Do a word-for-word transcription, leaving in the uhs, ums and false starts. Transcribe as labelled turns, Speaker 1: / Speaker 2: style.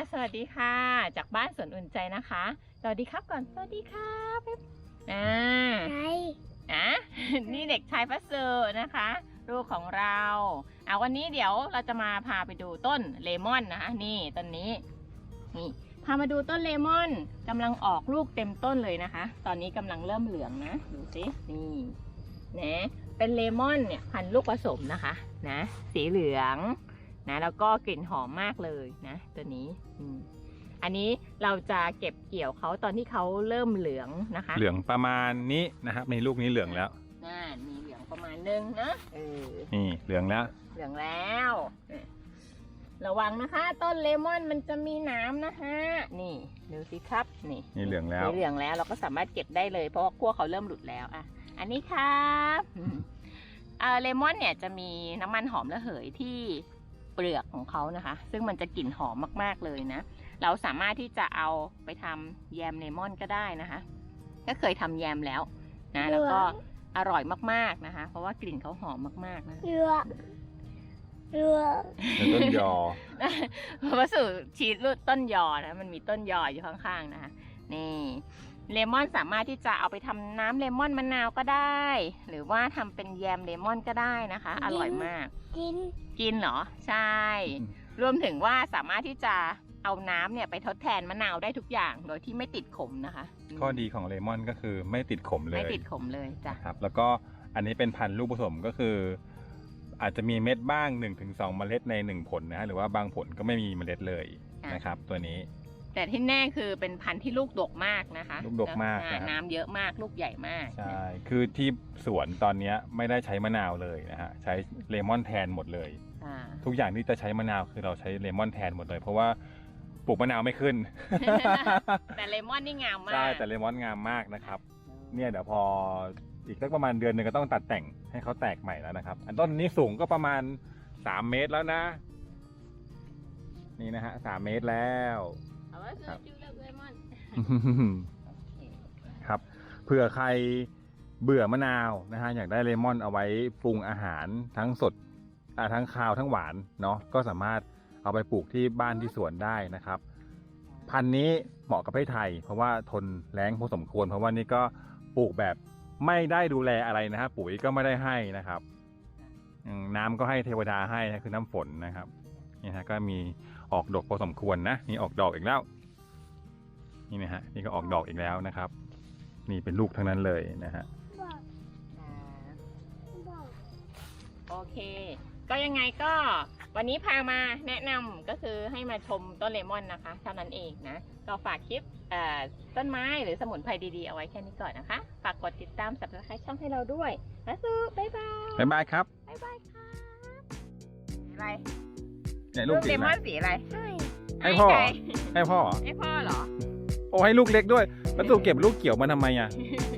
Speaker 1: สวัสดีค่ะจากบ้านสวนอุ่นใจนะคะสวัสดีครับก่อนสวัสดีครับอ่า
Speaker 2: ใช่
Speaker 1: อ่ะ นี่เด็กชายพัสเซอร์นะคะลูกของเราเอาวันนี้เดี๋ยวเราจะมาพาไปดูต้นเลมอนนะคะนี่ต้นนี้นี่พามาดูต้นเลมอนกำลังออกลูกเต็มต้นเลยนะคะ ตอนนี้กำลังเริ่มเหลืองนะดูสินี่นะเป็นเลมอนเนี่ยพันธุ์ลูกผสมนะคะนะสีเหลืองนะแล้วก็กลิ่นหอมมากเลยนะตัวนี้อืมอันนี้เราจะเก็บเกี่ยวเขาตอนที่เขาเริ่มเหลืองนะคะ
Speaker 3: เหลืองประมาณนี้นะครับในลูกนี้เหลืองแล้ว
Speaker 1: น่ามีเหลืองประมาณนึงนะเออ
Speaker 3: นี่เหลืองแล้ว
Speaker 1: เหลืองแล้วระวังนะคะ ต้นเลมอนมันจะมีหนามนะฮะนี่ดูสิครับนี่
Speaker 3: นี่เหลืองแล้ว
Speaker 1: เหลืองแล้วเราก็สามารถเก็บได้เลยเพราะว่าขั้วเขาเริ่มหลุดแล้วอ่ะอันนี้ครับเออเลมอนเนี่ยจะมีน้ำมันหอมระเหยที่เปลือกของเขานะคะ ซึ่งมันจะกลิ่นหอมมากๆเลยนะเราสามารถที่จะเอาไปทำแยมเลมอนก็ได้นะคะก็เคยทำแยมแล้วนะแล้วก็อร่อยมากๆนะคะ เพราะว่ากลิ่นเขาหอมมากๆนะ
Speaker 2: เรือเรือ
Speaker 3: เป็นต้นยอ
Speaker 1: วัสดุชีสรูดต้นยอนะมันมีต้นยออยู่ข้างๆนะคะนี่เลมอนสามารถที่จะเอาไปทำน้ำเลมอนมะนาวก็ได้ หรือว่าทำเป็นแยมเลมอนก็ได้นะคะ อร่อยมาก
Speaker 2: กิน
Speaker 1: กินเหรอใช่ รวมถึงว่าสามารถที่จะเอาน้ำเนี่ยไปทดแทนมะนาวได้ทุกอย่างโดยที่ไม่ติดขมนะคะ
Speaker 3: ข้อดีของเลมอนก็คือไม่ติดขมเลย
Speaker 1: ไม่ติดขมเลยจ้ะ
Speaker 3: นะครับแล้วก็อันนี้เป็นพันธุ์ลูกผสมก็คือ อาจจะมีเม็ดบ้าง หนึ่งถึงสอง เมล็ดในหนึ่งผลนะฮะหรือว่าบางผลก็ไม่มีเมล็ดเลยนะครับตัวนี้
Speaker 1: แต่ที่แน่คือเป็นพันธุ์ที่ลูกดกมากนะคะ
Speaker 3: ลูกดกมาก
Speaker 1: แล้ว
Speaker 3: นะครับ
Speaker 1: น้ำเยอะมากลูกใหญ่มาก
Speaker 3: ใช่คือที่สวนตอนนี้ไม่ได้ใช้มะนาวเลยนะฮะใช้เลมอนแทนหมดเลย
Speaker 1: อ่า
Speaker 3: ทุกอย่างที่จะใช้มะนาวคือเราใช้เลมอนแทนหมดเลย เพราะว่าปลูกมะนาวไม่ขึ้น
Speaker 1: แต่เลมอนนี่งามมาก
Speaker 3: ใช่แต่เลมอนงามมากนะครับเนี่ยเดี๋ยวพออีกสักประมาณเดือนหนึ่งก็ต้องตัดแต่งให้เขาแตกใหม่แล้วนะครับ อันต้นนี้สูงก็ประมาณสามเมตรแล้วนะ นี่นะฮะสามเมตรแล้ว
Speaker 1: เอาไว้ซื้อจูเลือกเลมอน
Speaker 3: ครับเผื่อใครเบื่อมะนาวนะฮะอยากได้เลมอนเอาไว้ปรุงอาหารทั้งสดอ่าทั้งคาวทั้งหวานเนาะก็สามารถเอาไปปลูกที่บ้านที่สวนได้นะครับ พันธุ์นี้เหมาะกับประเทศไทย เพราะว่าทนแล้งพอสมควรเพราะว่านี่ก็ปลูกแบบไม่ได้ดูแลอะไรนะฮะปุ๋ยก็ไม่ได้ให้นะครับอืมน้ำก็ให้เทวดาให้นะคือน้ำฝนนะครับนี่ฮะก็มีออกดอกพอสมควรนะนี่ออกดอกอีกแล้วนี่นะฮะนี่ก็ออกดอกอีกแล้วนะครับ นี่เป็นลูกทั้งนั้นเลยนะฮะ
Speaker 2: บอกบอก
Speaker 1: โอเค ก็ยังไงก็วันนี้พามาแนะนำก็คือให้มาชมต้นเลมอนนะคะเท่านั้นเองนะก็ฝากคลิปเอ่อต้นไม้หรือสมุนไพรดีๆเอาไว้แค่นี้ก่อนนะคะฝากกดติดตาม Subscribe ช่องให้เราด้วยแล้วสู้บ๊ายบาย
Speaker 3: บ๊ายบายครับ
Speaker 1: บ๊ายบายค่ะสีอะไร
Speaker 3: เนี่ย
Speaker 1: ลู
Speaker 3: ลู
Speaker 1: ก
Speaker 3: ก
Speaker 1: เล
Speaker 3: สี
Speaker 1: มอน
Speaker 3: นะ
Speaker 1: สีอะไร
Speaker 2: ให้
Speaker 3: ให้พ่อ
Speaker 1: ใคร
Speaker 3: ให้พ่อเหรอ
Speaker 1: ให้พ่อเหรอ
Speaker 3: โอ้ให้ลูกเล็กด้วย แล้วตู่เก็บลูกเกี่ยวมาทำไมอ่ะ
Speaker 1: เ